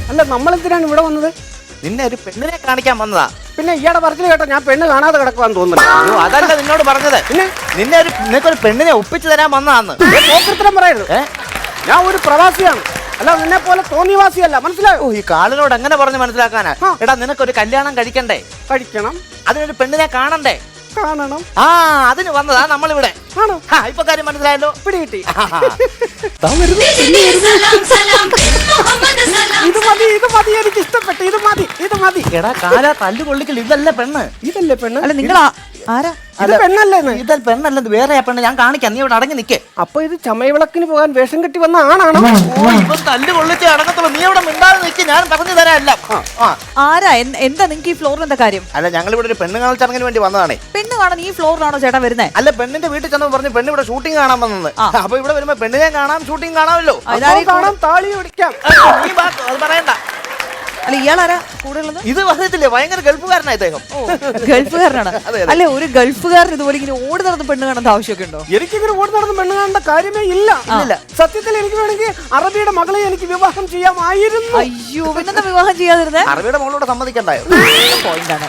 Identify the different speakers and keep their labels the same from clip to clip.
Speaker 1: അല്ല നമ്മളെന്തിനാണ് ഇവിടെ വന്നത്?
Speaker 2: നിന്നെ ഒരു പെണ്ണിനെ കാണിക്കാൻ വന്നതാ.
Speaker 1: പിന്നെ ഇയാടെ പറച്ചിൽ കേട്ടോ ഞാൻ പെണ്ണ് കാണാതെ കിടക്കുവാന്ന് തോന്നുന്നു.
Speaker 2: അയ്യോ, അതല്ല നിന്നോട് പറഞ്ഞത്. പിന്നെ നിനക്കൊരു പെണ്ണിനെ ഒപ്പിച്ചു തരാൻ വന്നതാന്ന്.
Speaker 1: പോക്കൃത്തരം പറയരുത്. ഞാൻ ഒരു പ്രവാസിയാണ്, അല്ല നിന്നെ പോലെ തോന്നിവാസിയല്ല, മനസ്സിലായോ?
Speaker 2: ഈ കാലിനോട് എങ്ങനെ പറഞ്ഞ് മനസ്സിലാക്കാനാ? എടാ നിനക്കൊരു കല്യാണം കഴിക്കണ്ടേ?
Speaker 1: കഴിക്കണം.
Speaker 2: അതിനൊരു പെണ്ണിനെ കാണണ്ടേ?
Speaker 1: കാണണം.
Speaker 2: അതിന് വന്നതാ നമ്മളിവിടെ.
Speaker 1: ആണോ?
Speaker 2: ഇപ്പൊ കാര്യം മനസ്സിലായല്ലോ.
Speaker 1: പിടികിട്ടി. ഇത് മതി, ഇത് മതി, എനിക്ക് ഇഷ്ടപ്പെട്ടു. ഇത് മതി, ഇത് മതി.
Speaker 2: എടാ കാല തല്ലു കൊള്ളിക്കൽ. ഇതല്ലേ പെണ്ണ്?
Speaker 1: ഇതല്ലേ പെണ്ണ്?
Speaker 3: അല്ല നിങ്ങൾ ആരാ?
Speaker 1: ഇത് പെണ്ണല്ലേ?
Speaker 2: ഇത് പെണ്ണല്ലെന്ന് വേറെ പെണ്ണ്. ഞാൻ കാണിക്കാം, നീ ഇവിടെ അടങ്ങി നിക്കേ.
Speaker 1: അപ്പൊ ഇത് ചമയവിളക്കിന് പോകാൻ വേഷം കെട്ടി വന്ന ആണാണോ?
Speaker 2: ഇപ്പൊ തല്ലു കൊള്ളിച്ച് അടങ്ങത്തുള്ളൂ. നീ ഇവിടെ മിണ്ടാതെ നിൽക്ക്, ഞാൻ പറഞ്ഞു തരാമല്ല.
Speaker 3: ആരാ? എന്താ നിങ്ങൾക്ക് ഈ ഫ്ലോറിൽ എന്താ കാര്യം?
Speaker 2: അല്ല ഞങ്ങൾ ഇവിടെ ഒരു പെണ്ണ് കാണൽ ചടങ്ങിന് വേണ്ടി വന്നതാണേ.
Speaker 3: പെണ്ണ് കാണാൻ ഈ ഫ്ലോറിലാണോ ചേട്ടാ വരുന്നേ?
Speaker 2: അല്ല പെണ്ണിന്റെ വീട്ടിൽ ചെന്ന് പറഞ്ഞു പെണ്ണ് ഇവിടെ ഷൂട്ടിംഗ് കാണാൻ വന്നത്. അപ്പൊ ഇവിടെ വരുമ്പോ പെണ്ണിനെ കാണാം, ഷൂട്ടിംഗ് കാണാമല്ലോ.
Speaker 1: കാണാം, താളി പിടിക്കാം.
Speaker 2: അത് പറയണ്ട.
Speaker 3: അല്ല ഇയാളാരാ കൂടെ ഉള്ളത്?
Speaker 2: ഇത് പറഞ്ഞിട്ടില്ലേ, ഭയങ്കര ഗൾഫുകാരനാ ഇദ്ദേഹം.
Speaker 3: ഗൾഫുകാരനാണ്. അല്ലെ ഒരു ഗൾഫുകാരൻ ഇതുപോലെ ഇങ്ങനെ ഓടി നടന്ന് പെണ്ണ് കാണേണ്ട ആവശ്യമൊക്കെ ഉണ്ടോ?
Speaker 1: എനിക്കിങ്ങനെ ഓടി നടന്ന് പെണ്ണ് കാണേണ്ട കാര്യമേ ഇല്ല. സത്യത്തിൽ എനിക്ക് വേണമെങ്കിൽ അറബിയുടെ മകളെ എനിക്ക് വിവാഹം ചെയ്യാമായിരുന്നു.
Speaker 3: അയ്യോ, പിന്നെന്താ വിവാഹം ചെയ്യാതിരുന്നേ?
Speaker 2: അറബിയുടെ മകളോട് സമ്മതിക്കണ്ടായോ?
Speaker 3: പോയിന്റാണ്.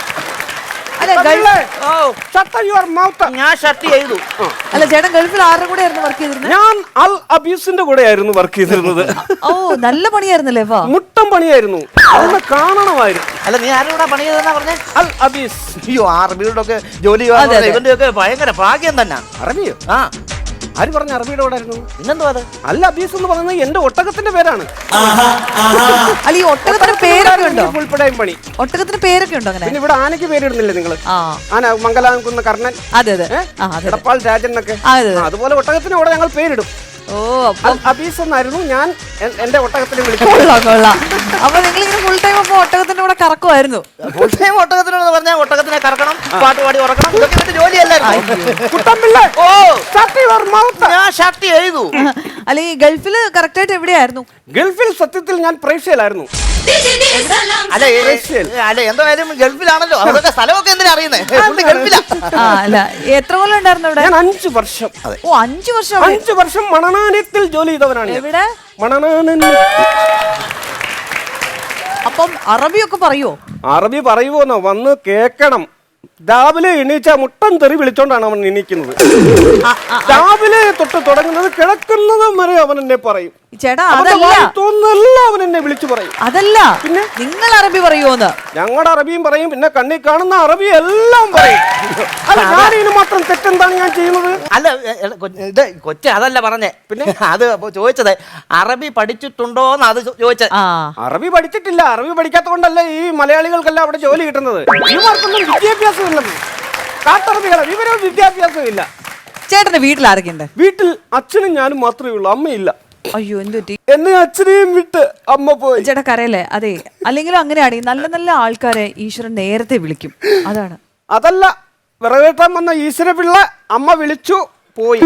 Speaker 2: ഞാൻ ഷർട്ട് ചെയ്തു.
Speaker 3: അല്ല ചേട്ടൻ ഗൾഫിൽ ആരുടെ കൂടെ ആയിരുന്നു വർക്ക് ചെയ്തിരുന്നത്?
Speaker 1: ഞാൻ അൽ അബീസിന്റെ കൂടെ ആയിരുന്നു വർക്ക് ചെയ്തിരുന്നത്.
Speaker 3: ഓ നല്ല പണിയായിരുന്നല്ലേ?
Speaker 1: മുട്ടം പണിയായിരുന്നു, അതൊന്ന് കാണണമായിരുന്നു.
Speaker 2: അല്ല നീ ആരുടെ കൂടെ പണി ചെയ്തെന്നാ പറഞ്ഞേ?
Speaker 1: അൽ അബീസ്.
Speaker 2: അയ്യോ അറബിയുടെ ഒക്കെ ജോലി ഇവന്റെ ഒക്കെ ഭയങ്കര ഭാഗ്യം തന്നെ.
Speaker 1: അറബിയോ? ആര് പറഞ്ഞ അറബിയുടെ കൂടെ ആയിരുന്നു?
Speaker 2: പിന്നെന്തോ അത്?
Speaker 1: അൽ അബീസ് എന്ന് പറയുന്നത് എന്റെ ഒട്ടകത്തിന്റെ പേരാണ്.
Speaker 3: അല്ല ഈ ഒട്ടകത്തിന്റെ പേരൊക്കെ ഉണ്ടോ?
Speaker 1: ഉൾപ്പെടെയും പണി.
Speaker 3: ഒട്ടകത്തിന്റെ പേരൊക്കെ ഉണ്ടോ അങ്ങനെ?
Speaker 1: പിന്നെ ഇവിടെ ആനയ്ക്ക് പേരിടുന്നില്ലേ നിങ്ങള്? ആന മംഗലാംകുന്ന് കർണൻ,
Speaker 3: അതെ അതെ,
Speaker 1: എടപ്പാൾ രാജൻ എന്നൊക്കെ. അതുപോലെ ഒട്ടകത്തിന് കൂടെ ഞങ്ങൾ പേരിടും.
Speaker 3: ഓ അപ്പൊ
Speaker 1: അബീസ് എന്നായിരുന്നു ഞാൻ എന്റെ ഒട്ടകത്തിനെ വിളിച്ചു.
Speaker 3: അപ്പൊ നിങ്ങൾ ഇങ്ങനെ ഫുൾ ടൈം അപ്പൊ ഒട്ടകത്തിന്റെ കൂടെ കറക്കുമായിരുന്നു?
Speaker 2: ഫുൾ ടൈം ഒട്ടകത്തിനോട് പറഞ്ഞാൽ ഒട്ടകത്തിനെ കറക്കണം, പാട്ട് പാടി ഉറക്കണം, ഇതൊക്കെ ഇവന്റെ ജോലിയല്ലായിരുന്നു. ഞാൻ ഷർട്ട് ചെയ്തു.
Speaker 3: അല്ല ഈ ഗൾഫില് കറക്റ്റ് ആയിട്ട് എവിടെയായിരുന്നു?
Speaker 1: ഗൾഫിൽ സത്യത്തിൽ ഞാൻ പ്രേക്ഷയിലായിരുന്നു.
Speaker 2: അല്ല എന്തായാലും ഗൾഫിലാണല്ലോ, അതൊക്കെ സ്ഥലമൊക്കെ എന്തിനാ അറിയുന്നേ? ഗൾഫിലാ.
Speaker 3: അല്ല എത്ര കൊല്ലം ഉണ്ടായിരുന്നു ഇവിടെ?
Speaker 1: ഞാൻ 5 വർഷം.
Speaker 3: ഓ 5 വർഷം.
Speaker 1: 5 വർഷം മണനാനത്തിൽ ജോലി ചെയ്തവനാണ്.
Speaker 3: എവിടെ?
Speaker 1: മണനാനൻ.
Speaker 3: അപ്പം അറബിയൊക്കെ പറയോ?
Speaker 1: അറബി പറയുവോന്നോ? വന്ന് കേക്കണം. രാവിലെ എണീച്ച മുട്ടൻ തെറി വിളിച്ചോണ്ടാണ് അവൻ എണീക്കുന്നത്. രാവിലെ തൊട്ട് തുടങ്ങുന്നത് കിടക്കുന്നതും വരെ അവൻ എന്നെ പറയും.
Speaker 3: ചേട്ടാ
Speaker 1: തോന്നുന്നല്ല അവൻ എന്നെ വിളിച്ചു പറയും.
Speaker 3: അതല്ല പിന്നെ നിങ്ങൾ അറബി പറയുമോന്ന്?
Speaker 1: ഞങ്ങളുടെ അറബിയും പറയും, പിന്നെ കണ്ണി കാണുന്ന അറബി എല്ലാം പറയും. അല്ല ഞാനിതിന് മാത്രം തെറ്റെന്താണ് ഞാൻ ചെയ്യുന്നത്?
Speaker 2: അല്ല ഇത് കൊച്ചെ അതല്ല പറഞ്ഞേ. പിന്നെ അത് ചോദിച്ചത് അറബി പഠിച്ചിട്ടുണ്ടോന്ന് അത് ചോദിച്ചത്.
Speaker 1: അറബി പഠിച്ചിട്ടില്ല. അറബി പഠിക്കാത്ത കൊണ്ടല്ല ഈ മലയാളികൾക്കെല്ലാം അവിടെ ജോലി കിട്ടുന്നത്. ഇവർക്കൊന്നും വിദ്യാഭ്യാസം ഇല്ലെന്ന്. കാട്ടറബികളെ ഇവരൊന്നും വിദ്യാഭ്യാസം ഇല്ല.
Speaker 3: ചേട്ടന്റെ വീട്ടിൽ ആരൊക്കെ ഉണ്ട്?
Speaker 1: വീട്ടിൽ അച്ഛനും ഞാനും മാത്രമേ ഉള്ളൂ, അമ്മയില്ല.
Speaker 3: അയ്യോ എന്തുപറ്റി?
Speaker 1: എന്നെ അച്ഛനെയും വിട്ട് അമ്മ പോയി.
Speaker 3: ചേട്ടാ കരയല്ലേ? അതെ, അല്ലെങ്കിലും അങ്ങനെയാണ്. നല്ല നല്ല ആൾക്കാരെ ഈശ്വരൻ നേരത്തെ വിളിക്കും, അതാണ്.
Speaker 1: അതല്ല, വിറവേട്ടാൻ വന്ന ഈശ്വര പിള്ള അമ്മ വിളിച്ചു പോയി.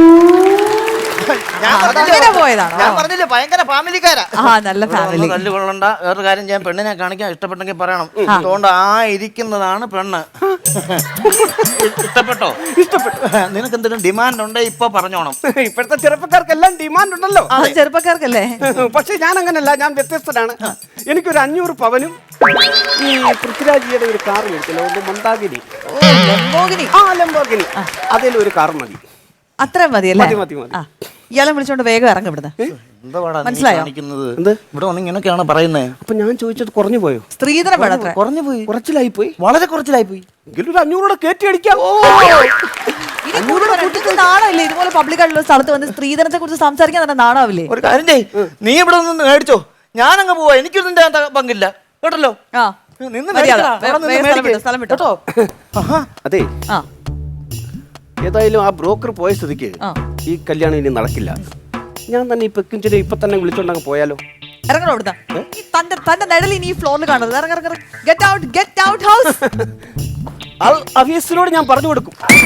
Speaker 3: പോയതാണോ?
Speaker 2: ഞാൻ പറഞ്ഞില്ലേ ഭയങ്കര ഫാമിലിക്കാരാ.
Speaker 3: നല്ല ഫാമിലി.
Speaker 2: തല്ലുകൊള്ളണ്ട. വേറൊരു കാര്യം ചെയ്യാൻ, പെണ്ണിനെ കാണിക്കാൻ ഇഷ്ടപ്പെട്ടെങ്കിൽ പറയണം. അതുകൊണ്ട് ഇരിക്കുന്നതാണ് പെണ്ണ്. ഇഷ്ടപ്പെട്ടോ?
Speaker 1: ഇഷ്ടപ്പെട്ടു.
Speaker 2: നിനക്ക് എന്തെങ്കിലും ഡിമാൻഡ് ഉണ്ടേ ഇപ്പൊ പറഞ്ഞോണം.
Speaker 1: ഇപ്പോഴത്തെ ചെറുപ്പക്കാർക്കെല്ലാം ഡിമാൻഡ് ഉണ്ടല്ലോ.
Speaker 3: ചെറുപ്പക്കാർക്കല്ലേ? പക്ഷെ
Speaker 1: ഞാൻ അങ്ങനല്ല, ഞാൻ വ്യത്യസ്തനാണ്. എനിക്കൊരു 500 പവനും ഈ പൃഥ്വിരാജിയുടെ ഒരു കാർ മേടിച്ചല്ലോ, മന്ദാകിനി. ലംബോഗിനി. അതിലൊരു കാർ മതി.
Speaker 3: അത്ര മതിയല്ലേ? ഇയാളെ വിളിച്ചോണ്ട് വേഗം ഇറങ്ങി ഇവിടുന്ന്. മനസ്സിലായോ?
Speaker 2: ഇവിടെ വന്ന് ഇങ്ങനെയൊക്കെയാണ് പറയുന്നത്.
Speaker 1: അപ്പൊ ഞാൻ ചോദിച്ചത് കുറഞ്ഞു പോയോ?
Speaker 3: സ്ത്രീധനം
Speaker 2: കുറഞ്ഞു പോയി.
Speaker 1: കുറച്ചിലായി പോയി,
Speaker 2: വളരെ കുറച്ചിലായി പോയി.
Speaker 1: എങ്കിലും 500 കയറ്റി അടിക്കാം.
Speaker 3: നാണമില്ലേ ഇതുപോലെ പബ്ലിക്കായിട്ടുള്ള സ്ഥലത്ത് വന്ന് സ്ത്രീധനത്തെ കുറിച്ച് സംസാരിക്കാൻ തന്നെ നാണാവില്ലേ?
Speaker 2: ഒരു കാര്യം ചെയ്യ്, നീ ഇവിടെ ഒന്ന് മേടിച്ചോ, ഞാനങ്ങ് പോവാ. എനിക്കൊന്നും ഇതിന്റെ പങ്കില്ല കേട്ടല്ലോ.
Speaker 1: അതെ, ഏതായാലും ആ ബ്രോക്കർ പോയ സ്ഥിതിക്ക് ഈ കല്യാണം ഇനി നടക്കില്ല. ഞാൻ തന്നെ ഈ പെക്കിഞ്ചിനെ ഇപ്പൊ തന്നെ വിളിച്ചോണ്ടങ്ങ് പോയാലോ?
Speaker 3: ഇറങ്ങണോ ഇവിടുത്തെ? തന്റെ നിഴൽ ഇനി ഈ ഫ്ലോറിൽ കാണരുത്. Get out, get out house.
Speaker 1: അൽ അഫീസിനോട് ഞാൻ പറഞ്ഞു കൊടുക്കും.